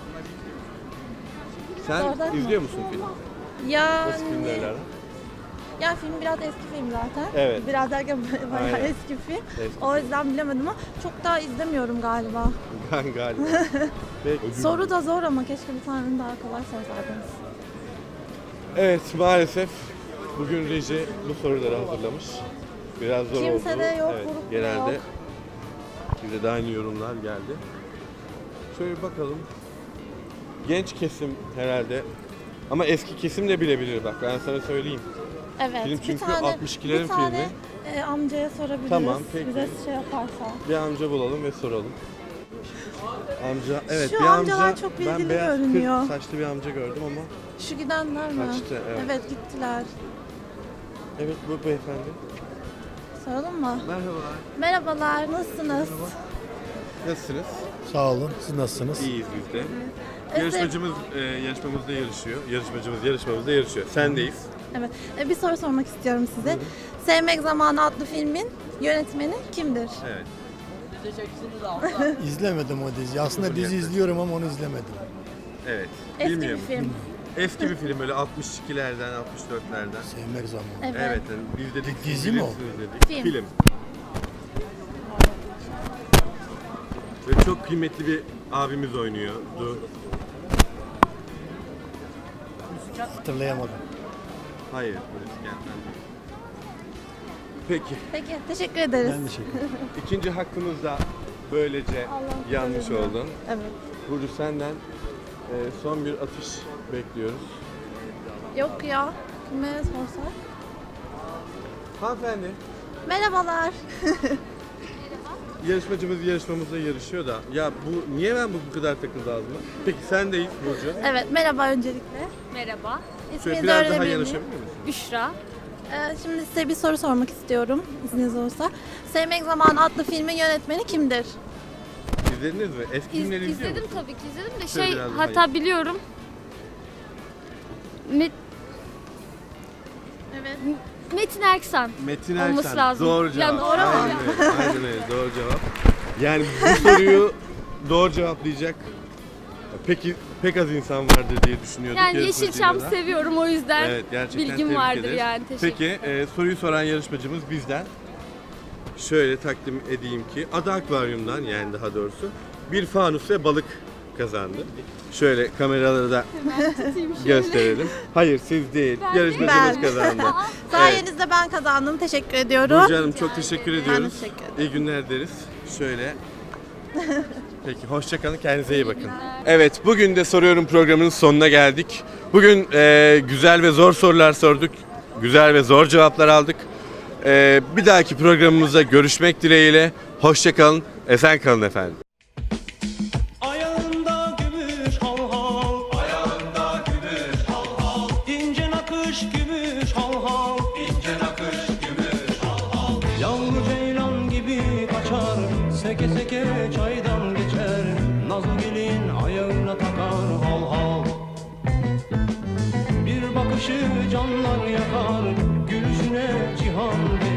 [SPEAKER 2] Sen
[SPEAKER 13] Zordan mı?
[SPEAKER 2] izliyor musun filmi?
[SPEAKER 13] Yani,
[SPEAKER 2] Eski filmlerle aran?
[SPEAKER 13] ya film biraz eski film zaten.
[SPEAKER 2] Evet.
[SPEAKER 13] Biraz derken bayağı
[SPEAKER 2] Aynen.
[SPEAKER 13] eski film.
[SPEAKER 2] Eski.
[SPEAKER 13] O yüzden bilemedim ama çok daha izlemiyorum galiba.
[SPEAKER 2] Ben galiba. Peki.
[SPEAKER 13] Soru da zor ama keşke bir tane daha kolay sorsaydınız.
[SPEAKER 2] Evet, maalesef bugün reji bu soruları hazırlamış. Biraz zor
[SPEAKER 13] Kimse
[SPEAKER 2] oldu.
[SPEAKER 13] de yok,
[SPEAKER 2] Evet,
[SPEAKER 13] grup da
[SPEAKER 2] genelde
[SPEAKER 13] yok.
[SPEAKER 2] bize de aynı yorumlar geldi. Şöyle bir bakalım. Genç kesim herhalde. Ama eski kesim de bilebilir bak, ben sana söyleyeyim.
[SPEAKER 13] Evet.
[SPEAKER 2] Film
[SPEAKER 13] bir
[SPEAKER 2] çünkü
[SPEAKER 13] tane,
[SPEAKER 2] altmış ikilerin
[SPEAKER 13] bir tane,
[SPEAKER 2] filmi.
[SPEAKER 13] e, amcaya sorabiliriz.
[SPEAKER 2] Tamam, peki.
[SPEAKER 13] Bize şey yaparsa.
[SPEAKER 2] Bir amca bulalım ve soralım. Amca, evet
[SPEAKER 13] Şu
[SPEAKER 2] bir
[SPEAKER 13] amcalar
[SPEAKER 2] amca,
[SPEAKER 13] çok
[SPEAKER 2] ben
[SPEAKER 13] bilgili
[SPEAKER 2] beyaz
[SPEAKER 13] görünüyor.
[SPEAKER 2] kırk saçlı bir amca gördüm ama
[SPEAKER 13] Şu gidenler mi?
[SPEAKER 2] Kaçtı, evet.
[SPEAKER 13] Evet gittiler.
[SPEAKER 2] Evet, bu beyefendi.
[SPEAKER 13] Soralım mı?
[SPEAKER 2] Merhabalar.
[SPEAKER 13] Merhabalar, nasılsınız?
[SPEAKER 2] Nasılsınız?
[SPEAKER 10] Sağ olun. Siz nasılsınız?
[SPEAKER 2] İyiyiz biz de. Yarışmacımız e, yarışmamızda yarışıyor. Yarışmacımız yarışmamızda yarışıyor. Sendeyiz.
[SPEAKER 13] Evet. E, bir soru sormak istiyorum size. Sevmek Zamanı adlı filmin yönetmeni kimdir?
[SPEAKER 2] Evet.
[SPEAKER 10] İzlemedim o diziyi. Aslında
[SPEAKER 2] Uzun
[SPEAKER 10] dizi
[SPEAKER 2] yaklaşık.
[SPEAKER 10] izliyorum ama onu izlemedim.
[SPEAKER 2] Evet.
[SPEAKER 13] Eski
[SPEAKER 2] Bilmiyorum.
[SPEAKER 13] bir film.
[SPEAKER 2] Eski bir film böyle altmış ikilerden, altmış dörtlerden.
[SPEAKER 10] Sevmek zamanı.
[SPEAKER 13] Evet.
[SPEAKER 2] Evet, yani biz dedik.
[SPEAKER 10] Dizi mi o?
[SPEAKER 2] bilirsiniz dedik.
[SPEAKER 13] Film.
[SPEAKER 2] Ve çok kıymetli bir abimiz oynuyordu.
[SPEAKER 10] Hatırlayamadım.
[SPEAKER 2] Hayır, polis gelmedi. Peki,
[SPEAKER 13] Peki, teşekkür ederiz.
[SPEAKER 10] Ben teşekkür ederim.
[SPEAKER 2] ikinci hakkımız da böylece
[SPEAKER 13] Allah'ım
[SPEAKER 2] yanlış
[SPEAKER 13] korusun.
[SPEAKER 2] oldun.
[SPEAKER 13] Evet.
[SPEAKER 2] Burcu senden e, son bir atış bekliyoruz.
[SPEAKER 13] Yok ya. Kime sorsak?
[SPEAKER 2] Hanımefendi,
[SPEAKER 13] Merhabalar.
[SPEAKER 2] yarışmacımız yarışmamızda yarışıyor da ya bu niye ben bu, bu kadar takıldı ağzıma? Peki sendeyiz Burcu.
[SPEAKER 13] Evet, merhaba öncelikle.
[SPEAKER 14] Merhaba.
[SPEAKER 2] Şöyle
[SPEAKER 13] İsminizi
[SPEAKER 2] biraz daha
[SPEAKER 13] öğrenebilir miyim?
[SPEAKER 2] yanaşabilir misin?
[SPEAKER 14] Büşra.
[SPEAKER 13] Ee, şimdi size bir soru sormak istiyorum, izniniz olursa. Sevmek Zamanı adlı filmin yönetmeni kimdir?
[SPEAKER 2] İzlediniz mi? Eski
[SPEAKER 14] İz,
[SPEAKER 2] filmleri izliyor
[SPEAKER 14] izledim
[SPEAKER 2] musun?
[SPEAKER 14] tabii ki izledim de
[SPEAKER 2] Şöyle
[SPEAKER 14] şey
[SPEAKER 2] biraz daha
[SPEAKER 14] hatta
[SPEAKER 2] iyi.
[SPEAKER 14] biliyorum. Met,
[SPEAKER 13] Evet.
[SPEAKER 14] Metin Erksan.
[SPEAKER 2] Metin
[SPEAKER 14] Olması
[SPEAKER 2] Erksan.
[SPEAKER 14] lazım.
[SPEAKER 2] Doğru
[SPEAKER 14] Ya
[SPEAKER 2] cevap.
[SPEAKER 14] doğru mu?
[SPEAKER 2] Aynen öyle. Aynen öyle. Doğru cevap. Yani bu soruyu doğru cevaplayacak peki pek az insan vardır diye düşünüyorduk.
[SPEAKER 14] Yani
[SPEAKER 2] yarışmacıyla
[SPEAKER 14] Yeşilçam
[SPEAKER 2] da.
[SPEAKER 14] seviyorum o yüzden
[SPEAKER 2] Evet, gerçekten
[SPEAKER 14] bilgim
[SPEAKER 2] tebrik
[SPEAKER 14] vardır
[SPEAKER 2] ederiz.
[SPEAKER 14] yani. Teşekkür
[SPEAKER 2] Peki e, soruyu soran yarışmacımız bizden. Şöyle takdim edeyim ki Ada Akvaryum'dan yani daha doğrusu bir fanus ve balık kazandı. Şöyle kameralara da gösterelim. Hayır siz değil. Yarışmacımız
[SPEAKER 13] Ben.
[SPEAKER 2] kazandı.
[SPEAKER 13] Sayenizde ben kazandım. Teşekkür ediyorum.
[SPEAKER 2] Burcu Hanım çok teşekkür ediyoruz.
[SPEAKER 13] teşekkür ederim.
[SPEAKER 2] İyi günler deriz. Şöyle. Peki hoşça kalın. Kendinize iyi bakın. Evet bugün de soruyorum programının sonuna geldik. Bugün e, güzel ve zor sorular sorduk. Güzel ve zor cevaplar aldık. E, bir dahaki programımızda görüşmek dileğiyle. Hoşça kalın. Esen kalın efendim.
[SPEAKER 15] Ayağında gümüş hal hal, ayağında gümüş hal hal, ince nakış gümüş hal hal, ince nakış gümüş hal hal. Yavru ceylan gibi kaçar, seke seke çaydan geçer, nazlı gelin ayağına takar hal hal. Bir bakışı canlar yakar, gülüşüne cihan verir.